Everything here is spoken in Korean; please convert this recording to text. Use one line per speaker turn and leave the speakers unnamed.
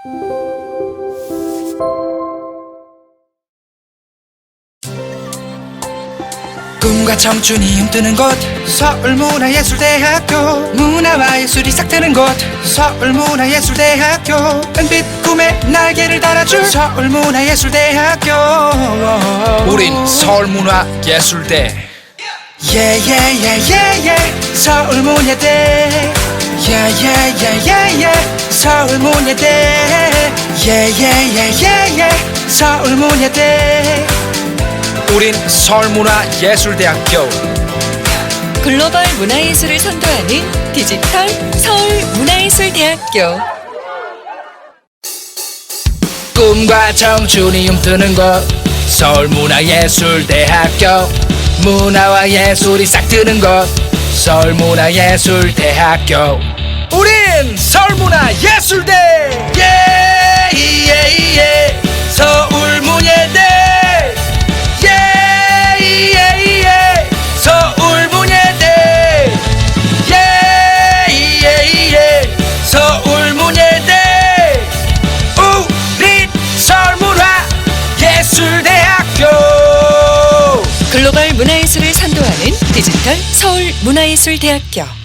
꿈과 청춘이 힘드는 곳 서울문화예술대학교 문화와 예술이 싹 트는 곳 서울문화예술대학교 은빛 꿈의 날개를 달아줄 서울문화예술대학교
우린 서울문화예술대
예예예예예 서울문예대 예예예예예 서울문예대 예예예예예 서울문예대
우린 서울문화예술대학교
글로벌 문화예술을 선도하는 디지털 서울문화예술대학교.
꿈과 청춘이 힘드는 곳 서울문화예술대학교 문화와 예술이 싹 트는 곳 서울문화예술대학교 우린 서울문화예술대 예예예 서울문예대 예예예 서울문예대 예예예 서울문예대 우린 서울문화예술대학교
글로벌 문화예술을 선도하는 디지털 서울문화예술대학교.